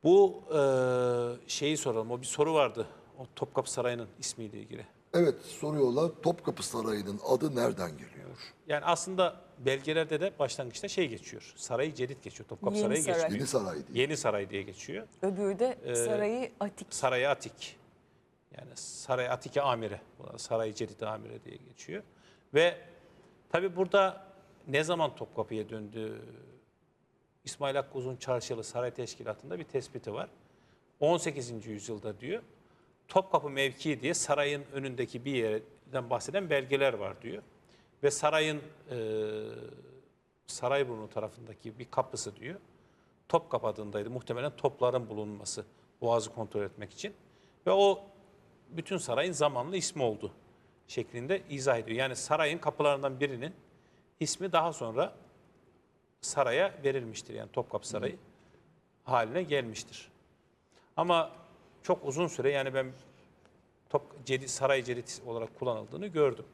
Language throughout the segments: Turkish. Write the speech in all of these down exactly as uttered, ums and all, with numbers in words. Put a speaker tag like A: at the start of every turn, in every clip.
A: Bu e, şeyi soralım. O bir soru vardı. O Topkapı Sarayı'nın ismiyle ilgili.
B: Evet, soruyorlar Topkapı Sarayı'nın adı nereden geliyor?
A: Yani aslında belgelerde de başlangıçta şey geçiyor. Sarayı Cedid geçiyor. Topkapı
C: Yeni
A: Sarayı
C: Saray.
A: geçmiyor.
B: Yeni Saray diye.
A: Yeni Saray diye geçiyor.
C: Öbürü de Sarayı Atik.
A: Sarayı Atik. Yani Saray Atike Amire. Saray Cedid Amire diye geçiyor. Ve tabi burada ne zaman Topkapı'ya döndü? İsmail Hakkı Uzun Çarşılı Saray Teşkilatı'nda bir tespiti var. on sekizinci yüzyılda diyor. Topkapı mevkii diye sarayın önündeki bir yerden bahseden belgeler var diyor. Ve sarayın e, Sarayburnu tarafındaki bir kapısı diyor. Topkapı adındaydı. Muhtemelen topların bulunması, boğazı kontrol etmek için. Ve o bütün sarayın zamanlı ismi oldu şeklinde izah ediyor. Yani sarayın kapılarından birinin ismi daha sonra saraya verilmiştir. Yani Topkapı Sarayı haline gelmiştir. Ama çok uzun süre yani ben Top, Cedid, Saray Cedid olarak kullanıldığını gördüm.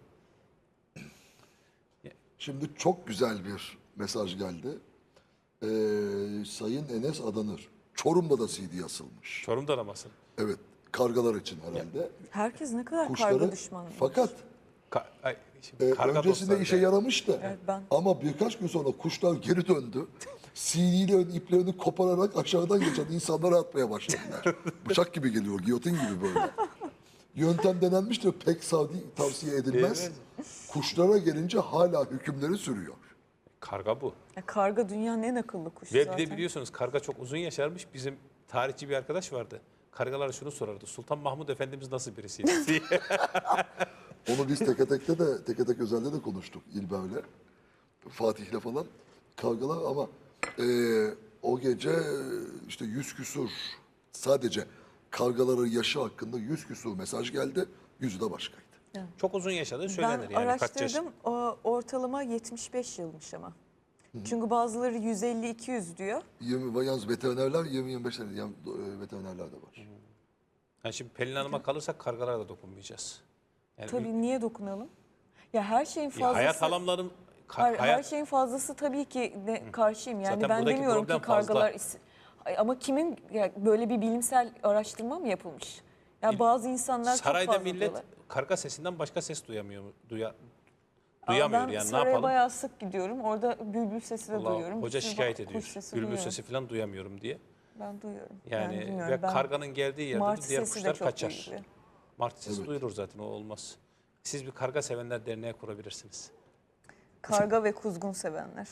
B: Şimdi çok güzel bir mesaj geldi. Ee, Sayın Enes Adanır. Çorum'da da C D asılmış.
A: Çorum'da da basın.
B: Evet, kargalar için herhalde.
C: Herkes ne kadar
B: Kuşları,
C: karga düşmanı.
B: fakat
A: Ka ay, şimdi
B: e,
A: karga
B: öncesinde
A: dostları
B: işe
A: yani.
B: yaramış da.
C: Evet, ben-
B: Ama birkaç gün sonra kuşlar geri döndü. C D'lerin iplerini kopararak aşağıdan geçen insanlara atmaya başladılar. Bıçak gibi geliyor, giyotin gibi böyle. Yöntem denenmiştir, pek sadi tavsiye edilmez.
A: Evet.
B: Kuşlara gelince hala hükümleri sürüyor.
A: Karga bu.
C: Ya karga dünyanın en akıllı kuşu
A: Ve
C: zaten.
A: bir de biliyorsunuz karga çok uzun yaşarmış. Bizim tarihçi bir arkadaş vardı. Kargalara şunu sorardı. Sultan Mahmud Efendimiz nasıl birisiydi diye.
B: Onu biz teke tekte de, teke tek özelde de konuştuk İlber'le. Fatih'le falan. Kargalar ama e, o gece e, işte yüz küsur sadece kargaların yaşı hakkında yüz küsur mesaj geldi. Yüzü de başkaydı.
A: Çok uzun yaşadığı söylenir.
C: Ben
A: Yani kaç yaş.
C: araştırdım, o ortalama yetmiş beş yılmış ama. Çünkü bazıları yüz elli iki yüz diyor.
B: yirmi, yalnız veterinerler yirmi yirmi beş tane yani, e, veterinerler de var.
A: Yani şimdi Pelin Hanım'a kalırsak kargalara da dokunmayacağız. Yani
C: Tabii niye dokunalım? Ya her şeyin
A: bir-
C: fazlası...
A: hayat alanların ka-
C: Hayır,
A: hayat
C: her şeyin fazlası tabii ki de karşıyım. Yani
A: Zaten
C: ben
A: buradaki
C: demiyorum ki
A: problem fazla.
C: kargalar... is- Ay, ama kimin ya böyle bir bilimsel araştırma mı yapılmış? Ya bazı insanlar
A: sarayda
C: çok fazla
A: millet
C: diyorlar.
A: karga sesinden başka ses duyamıyor mu? Duya,
C: Ama
A: duyamıyor
C: ben
A: yani ne
C: saraya
A: yapalım?
C: bayağı sık gidiyorum. Orada bülbül sesi de
A: Allah,
C: duyuyorum.
A: hoca
C: Bir sürü
A: şikayet
C: kuş
A: ediyor.
C: sesi
A: Bülbül
C: duyuyorum.
A: sesi falan duyamıyorum diye.
C: Ben duyuyorum.
A: Yani
C: bilmiyorum.
A: ve
C: Ben-
A: karganın geldiği yerde de
C: Martı
A: diğer
C: sesi de
A: kuşlar
C: çok
A: kaçar.
C: duyuluyor.
A: Martı sesi
B: Evet.
A: duyulur zaten, o olmaz. Siz bir karga sevenler derneği kurabilirsiniz.
C: Karga ve kuzgun sevenler.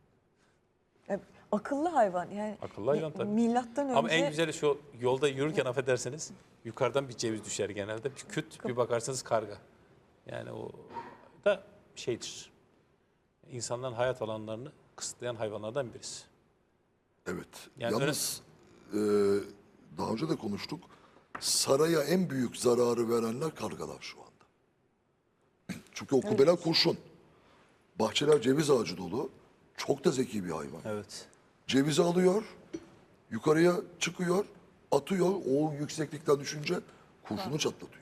C: Ya, akıllı hayvan yani.
A: Akıllı hayvan tabii.
C: Milattan önce
A: Ama en güzeli şu, yolda yürürken affedersiniz yukarıdan bir ceviz düşer genelde. Bir küt, bir bakarsınız karga. Yani o da şeydir. İnsanların hayat alanlarını kısıtlayan hayvanlardan birisi.
B: Evet.
A: Yani
B: Yalnız e, daha önce de konuştuk. Saraya en büyük zararı verenler kargalar şu anda. Çünkü o kubbeler kurşun. Bahçeler ceviz ağacı dolu. Çok da zeki bir hayvan.
A: Evet.
B: Cevizi alıyor, yukarıya çıkıyor, atıyor. O yükseklikten düşünce kurşunu çatlatıyor.